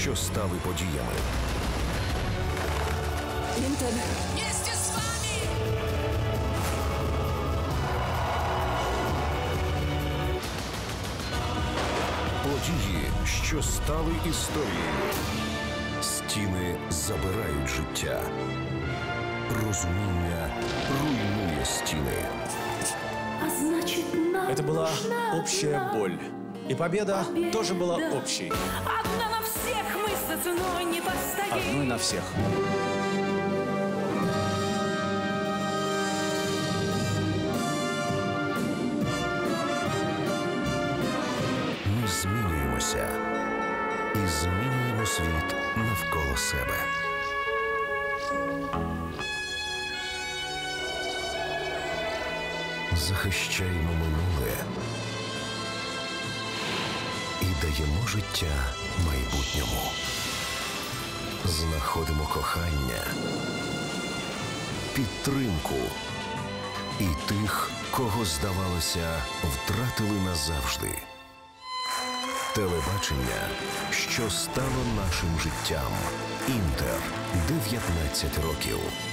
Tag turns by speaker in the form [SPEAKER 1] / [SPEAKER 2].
[SPEAKER 1] що стали подіями.
[SPEAKER 2] Інтер.
[SPEAKER 3] Вместе с вами!
[SPEAKER 1] Події, що стали історією. Стіни забирають життя. Розуміння руйнує стіни.
[SPEAKER 2] А значит, нам
[SPEAKER 4] Это была
[SPEAKER 2] нужна
[SPEAKER 4] общая
[SPEAKER 2] одна
[SPEAKER 4] боль. И победа тоже была
[SPEAKER 2] победа.
[SPEAKER 4] общей.
[SPEAKER 2] Одна на всех, мы за ценой не постоим.
[SPEAKER 4] Одной на всех.
[SPEAKER 1] Ми змінюємося і змінюємо світ навколо себе. Захищаємо минуле і даємо життя майбутньому. Знаходимо кохання, підтримку і тих, кого, здавалося, втратили назавжди. Телебачення, що стало нашим життям. Інтер. 19 років.